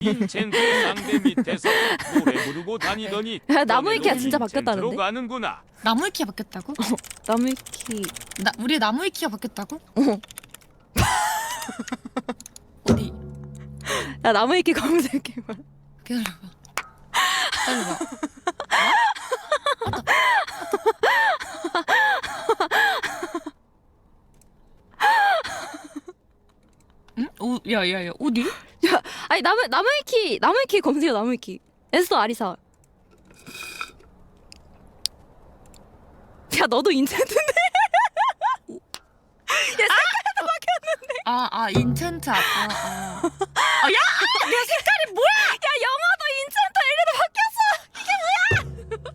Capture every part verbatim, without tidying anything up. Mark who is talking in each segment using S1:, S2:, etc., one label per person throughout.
S1: 인챈트 상대 밑에서 노래 부르고 다니더니
S2: 야, 나무위키가
S1: 너네도
S2: 진짜
S1: 인챈트로
S2: 바뀌었다는데?
S1: 가는구나.
S3: 나무위키가 바뀌었다고?
S2: 나무위키.
S3: 나 우리 나무위키가 바뀌었다고?
S2: 어.
S3: 어디?
S2: 야, 나무위키 검색해봐.
S3: 기다려봐. 기다려봐. 응? 오, 야야야 어디?
S2: 야, 아니 나무 나무위키 나무위키 검색해 나무위키. 에스더 아리사. 야, 너도 인챈트인데?
S3: 아, 아, 인챈트 아빠. 아, 아. 아, 야! 내 색깔이 뭐야?
S2: 야, 영어도 인챈트 엘리도 바뀌었어.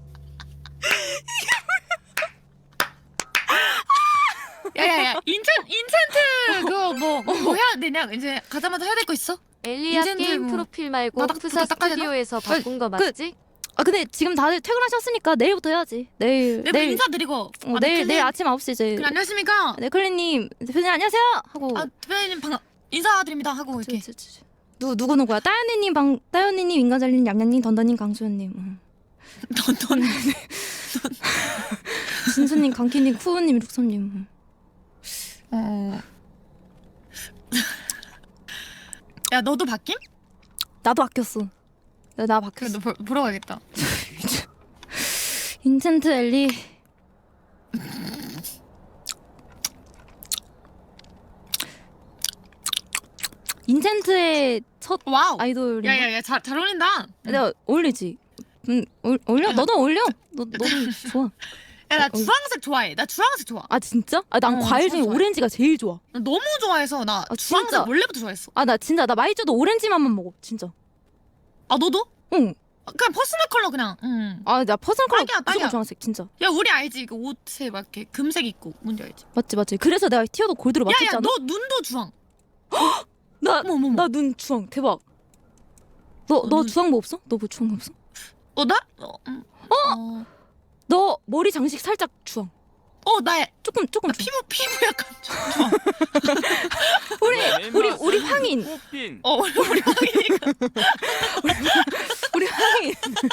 S3: 야야야, 인챈, 인챈트 그거 뭐, 뭐, 뭐 해야 되냐? 이제 가자마자 해야 될 거 있어?
S4: 엘리야
S3: 인챈트
S4: 게임
S3: 뭐
S4: 프로필 말고
S3: 바닥
S4: 푸사
S3: 부터 닦아야 되나?
S4: 스튜디오에서 바꾼 거
S2: 그-
S4: 맞지?
S2: 아, 근데 지금 다들 퇴근하셨으니까 내일부터 해야지. 내일
S3: 내일
S2: 내일
S3: 인사드리고.
S2: 어,
S3: 아,
S2: 내일
S3: 네클님.
S2: 내일 아침 아홉 시 이제.
S3: 그래, 안녕하십니까?
S2: 네, 클리님 대표님 안녕하세요 하고.
S3: 아, 대표님 반갑, 인사드립니다 하고 이렇게.
S2: 저, 저, 저, 저. 누 누구 누구야? 따연이님 방 따연이님 인간잘님 냠냠님 던던님 강수현님. 응.
S3: 던던.
S2: 진수님 강키님 쿠우님 룩섬님. 응.
S3: 어. 야, 너도 바뀜?
S2: 나도 바뀌었어. 나, 나
S3: 그래,
S2: 바뀌었어.
S3: 너 보, 보러 가겠다.
S2: 인챈트 엘리. 인챈트의 첫
S3: 와우.
S2: 아이돌이.
S3: 야야야, 잘, 잘 어울린다.
S2: 내가 어울리지. 응, 올, 올려. 너도 어울려. 너 너도 좋아.
S3: 야, 나
S2: 어,
S3: 주황색 좋아해. 나 주황색 좋아.
S2: 아, 진짜? 아, 난
S3: 어,
S2: 과일 중에
S3: 좋아, 좋아.
S2: 오렌지가 제일 좋아.
S3: 나 너무 좋아해서 나
S2: 아,
S3: 주황색
S2: 진짜?
S3: 원래부터 좋아했어.
S2: 아, 나 진짜 나 마이쮸도 오렌지 맛만 먹어. 진짜.
S3: 아, 너도?
S2: 응.
S3: 아, 그냥 퍼스널 컬러 그냥. 응.
S2: 아, 나 퍼스널 컬러
S3: 딱이야,
S2: 무조건
S3: 딱이야.
S2: 주황색 진짜.
S3: 야, 우리 알지? 그 옷에 막 이렇게 금색 입고 뭔지 알지?
S2: 맞지, 맞지. 그래서 내가 티어도 골드로
S3: 야야,
S2: 맞췄잖아.
S3: 너 눈도 주황.
S2: 나
S3: 어머 어머.
S2: 나 눈 주황 대박. 너 너
S3: 어, 눈-
S2: 주황 뭐 없어? 너 뭐 주황 뭐 없어?
S3: 어, 나? 어, 음. 어?
S2: 너 머리 장식 살짝 주황.
S3: 어, 나,
S2: 조금 조금
S3: 나
S2: 주황.
S3: 피부 피부 약간 주황.
S2: 우리
S1: 내
S2: 우리
S1: 맛은
S2: 우리 황인.
S1: 꽃빈.
S3: 어, 우리 우리 황이니까.
S2: 우리 황인.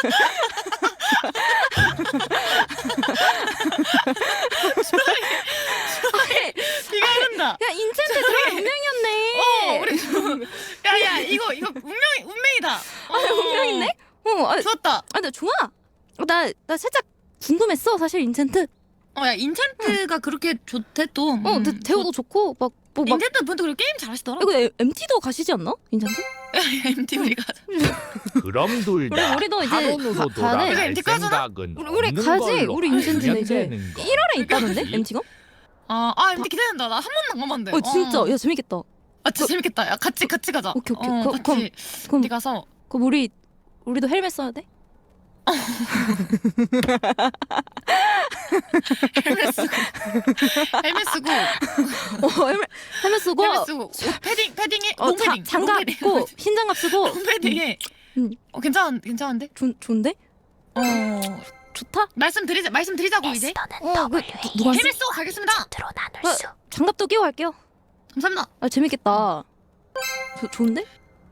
S3: 비가 흐른다.
S2: 야, 인챈트 그런 운명이었네.
S3: 어, 우리 좀- 야야, 이거 이거 운명 운명이다. 어,
S2: 아, 운명이네? 어, 아,
S3: 좋았다.
S2: 아, 나 좋아. 나 나 살짝 궁금했어, 사실 인챈트.
S3: 어, 야, 인챈트가 그렇게 좋대 또.
S2: 어, 근데
S3: 음,
S2: 대우도 좋고 막 뭐 막.
S3: 인챈트 분도 그리고 게임 잘하시더라.
S2: 이거 엠티도 가시지 않나? 인챈트?
S3: 엠티 우리 가자.
S5: 그럼 둘 다
S2: 우리- 우리도 이제
S5: 학원으로
S2: 가- 가야 돼.
S5: 돌아갈
S3: 우리 엠티 까잖아?
S5: 생각은
S2: 우리 우리
S5: 없는
S2: 가지.
S5: 걸로
S2: 우리 인챈트는 이제
S5: 하면 되는 거.
S2: 일월에 있다는데
S5: 그치?
S2: 엠티가?
S3: 아, 아, 엠티 기대된다. 나 한 번도 안 가봤는데.
S2: 어, 진짜. 야, 재밌겠다.
S3: 아, 진짜 재밌겠다. 야, 같이 같이 가자.
S2: 오케이, 오케이.
S3: 어,
S2: 그-
S3: 같이.
S2: 그럼- 그럼
S3: 엠티 가서.
S2: 그럼 우리 우리도 헬멧 써야 돼?
S3: 헬멧 쓰고. 헬멧 쓰고.
S2: 어, 헬멧 헬멧 쓰고
S3: 헬멧 쓰고. 옷 패딩 패딩에
S2: 어, 자,
S3: 롱패딩.
S2: 장갑
S3: 롱패딩.
S2: 입고 흰 장갑 쓰고.
S3: 롱패딩에.
S2: 응.
S3: 어, 괜찮 괜찮은데?
S2: 좋 좋은데?
S3: 어.
S2: 좋다.
S3: 말씀드리자 말씀드리자고 이제.
S2: 어, 그 누- 누가
S3: 헬멧 쓰고 가겠습니다.
S2: 어, 장갑도 끼고 갈게요.
S3: 감사합니다.
S2: 아, 재밌겠다. 조, 좋은데?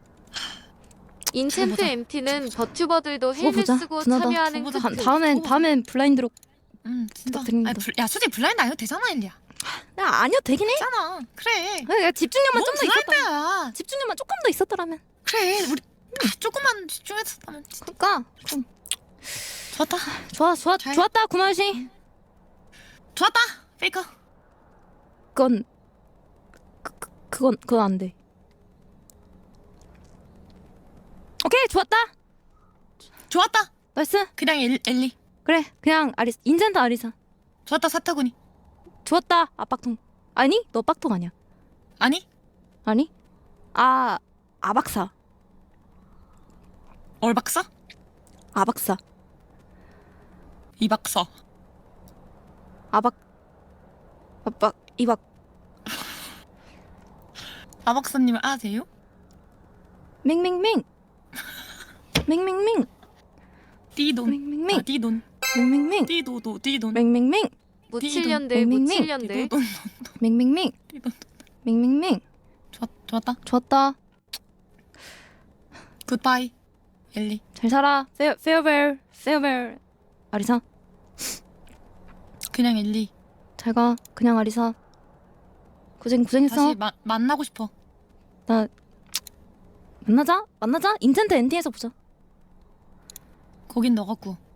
S4: 인챈트
S3: 보자.
S4: 엠티는 버튜버들도
S2: 두고
S4: 헬멧
S2: 보자.
S4: 쓰고
S2: 두나다.
S4: 참여하는
S3: 두고 보자.
S2: 다,
S4: 특징.
S2: 다음엔
S3: 어.
S2: 다음엔 블라인드로.
S3: 음, 진짜.
S2: 부탁드립니다.
S3: 아니, 불, 야, 솔직히 블라인드 아니어도 되잖아, 엘리야.
S2: 야, 아니요, 되긴 해.
S3: 있잖아. 그래.
S2: 아, 야, 집중력만
S3: 뭔
S2: 좀 더 있었다.
S3: 블라인드야.
S2: 집중력만 조금 더 있었더라면.
S3: 그래. 우리 아, 조금만 집중했었다면 진짜
S2: 그러니까 그럼
S3: 좋았다.
S2: 좋아, 좋아,
S3: 잘-
S2: 좋았다, 구마시.
S3: 좋았다. 페이커.
S2: 그건 그, 그, 그건 그건 안 돼. 오케이, 좋았다.
S3: 좋았다.
S2: 나이스.
S3: 그냥 엘, 엘리.
S2: 그래, 그냥 아리사. 인젠트 아리사.
S3: 좋았다, 사타구니.
S2: 좋았다. 아, 빡통. 아니, 너 빡통 아니야.
S3: 아니?
S2: 아니? 아, 아박사.
S3: 얼박사?
S2: 아박사.
S3: 이박사.
S2: 아박. 아박. 이박.
S3: 아박사님을 아세요?
S2: 맹맹맹. 맹맹맹.
S3: 띠돈.
S2: 맹맹맹.
S3: 아, 띠돈.
S2: 맹맹맹.
S3: 띠도도 띠돈.
S2: 맹맹맹.
S4: 무칠년들
S2: 맹맹맹.
S4: 무칠년들.
S3: 띠도돈.
S2: 맹맹맹.
S3: 띠돈.
S2: 맹맹맹.
S3: 좋았, 좋았다.
S2: 좋았다.
S3: 굿바이 엘리.
S2: 잘 살아. 페어 페어벨 페어벨. 아리사
S3: 그냥 엘리.
S2: 잘 가. 그냥 아리사. 고생 고생했어.
S3: 다시 마, 만나고 싶어.
S2: 나 만나자 만나자. 인텐트 엔딩에서 보자.
S3: 거긴 너 같고.